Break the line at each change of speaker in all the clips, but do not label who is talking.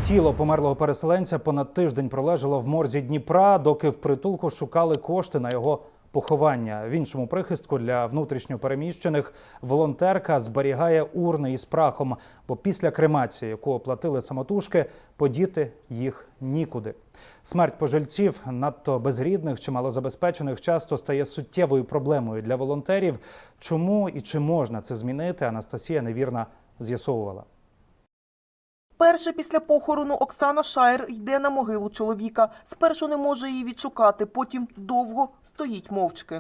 Тіло померлого переселенця понад тиждень пролежало в морзі Дніпра, доки в притулку шукали кошти на його поховання. В іншому прихистку для внутрішньо переміщених волонтерка зберігає урни із прахом, бо після кремації, яку оплатили самотужки, подіти їх нікуди. Смерть пожильців, надто безрідних чи малозабезпечених, часто стає суттєвою проблемою для волонтерів. Чому і чи можна це змінити, Анастасія Невірна з'ясовувала.
Перше після похорону Оксана Шаєр йде на могилу чоловіка. Спершу не може її відшукати, потім довго стоїть мовчки.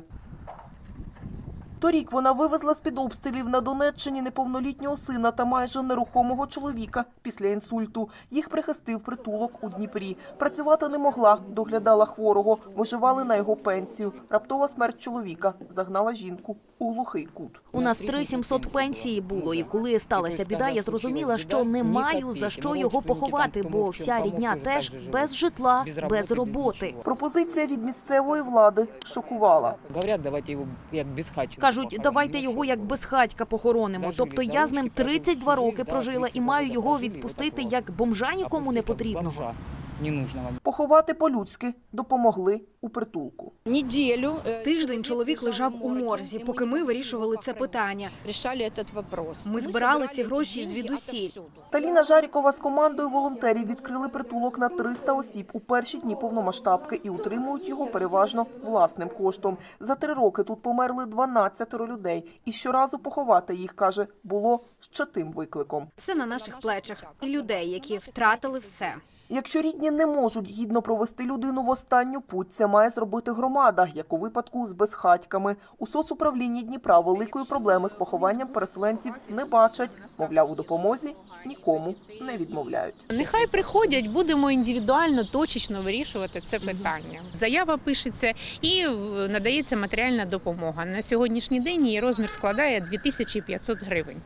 Торік вона вивезла з-під обстрілів на Донеччині неповнолітнього сина та майже нерухомого чоловіка після інсульту. Їх прихистив притулок у Дніпрі. Працювати не могла, доглядала хворого, виживали на його пенсію. Раптова смерть чоловіка загнала жінку у глухий кут.
У нас 3700 пенсії було, і коли сталася біда, я зрозуміла, що не маю за що його поховати, бо вся рідня теж без житла, без роботи.
Пропозиція від місцевої влади шокувала.
Говорять, давайте його як безхатченка.
Кажуть, давайте його як безхатька похоронимо. Тобто я з ним 32 роки прожила і маю його відпустити як бомжа нікому не потрібного.
Поховати по-людськи допомогли у притулку.
Тиждень чоловік лежав у морзі, поки ми вирішували це питання. Ми збирали ці гроші звідусіль.
Таліна Жарікова з командою волонтерів відкрили притулок на 300 осіб у перші дні повномасштабки і утримують його переважно власним коштом. За 3 роки тут померли 12 людей. І щоразу поховати їх, каже, було ще тим викликом.
Все на наших плечах. Людей, які втратили все.
Якщо рідні не можуть гідно провести людину в останню путь, це має зробити громада, як у випадку з безхатьками. У соцуправлінні Дніпра великої проблеми з похованням переселенців не бачать. Мовляв, у допомозі нікому не відмовляють.
Нехай приходять, будемо індивідуально, точечно вирішувати це питання. Заява пишеться і надається матеріальна допомога. На сьогоднішній день її розмір складає 2500 гривень.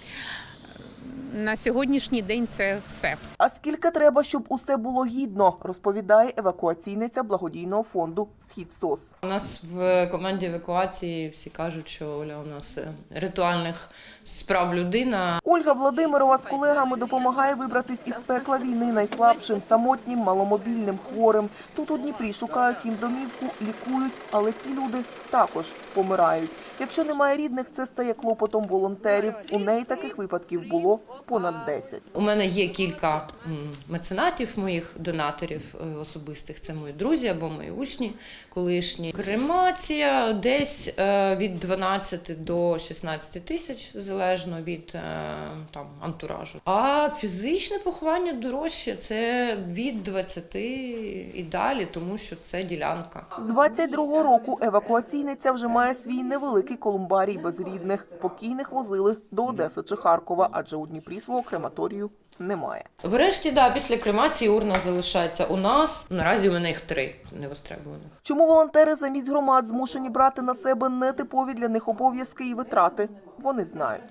На сьогоднішній день це все.
А скільки треба, щоб усе було гідно, розповідає евакуаційниця благодійного фонду «Схід-СОС».
У нас в команді евакуації всі кажуть, що Оля у нас ритуальних справ людина.
Ольга Владимирова з колегами допомагає вибратись із пекла війни найслабшим, самотнім, маломобільним, хворим. Тут у Дніпрі шукають їм домівку, лікують, але ці люди також помирають. Якщо немає рідних, це стає клопотом волонтерів. У неї таких випадків було понад 10.
У мене є кілька меценатів, моїх донаторів особистих. Це мої друзі або мої учні колишні. Кремація десь від 12 до 16 тисяч, залежно від антуражу. А фізичне поховання дорожче – це від 20 і далі, тому що це ділянка.
З 22-го року евакуаційниця вже має свій невеликий колумбарій без рідних. Покійних возили до Одеси чи Харкова, адже у Дніпрі свого крематорію немає.
Врешті, після кремації урна залишається у нас. Наразі у мене їх 3 невостребуваних.
Чому волонтери замість громад змушені брати на себе нетипові для них обов'язки і витрати? Вони знають.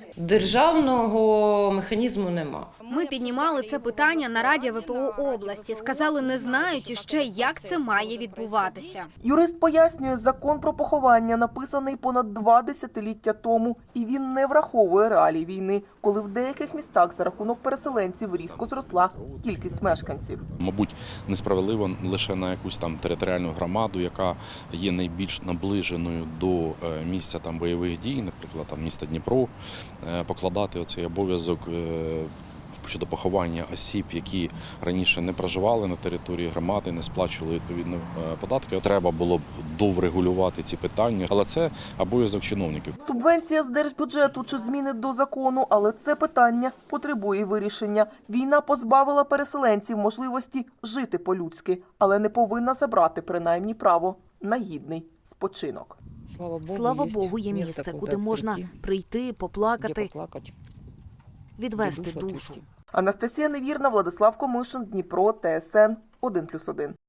Державного механізму нема.
Ми піднімали це питання на Раді ВПО області. Сказали, не знають іще, як це має відбуватися.
Юрист пояснює, закон про поховання написаний понад 2 десятиліття тому, і він не враховує реалій війни, коли в деяких містах за рахунок переселенців різко зросла кількість мешканців.
Мабуть, несправедливо лише на якусь там територіальну громаду, яка є найбільш наближеною до місця бойових дій, наприклад, міста Дніпро, покладати оцей обов'язок щодо поховання осіб, які раніше не проживали на території громади, не сплачували відповідні податки. Треба було б доврегулювати ці питання, але це обов'язок чиновників.
Субвенція з держбюджету чи зміни до закону, але це питання потребує вирішення. Війна позбавила переселенців можливості жити по-людськи, але не повинна забрати принаймні право на гідний спочинок.
Слава Богу, є місце, куди можна прийти, поплакати, відвести душу.
Анастасія Невірна, Владислав Комишин, Дніпро, ТСН 1+1.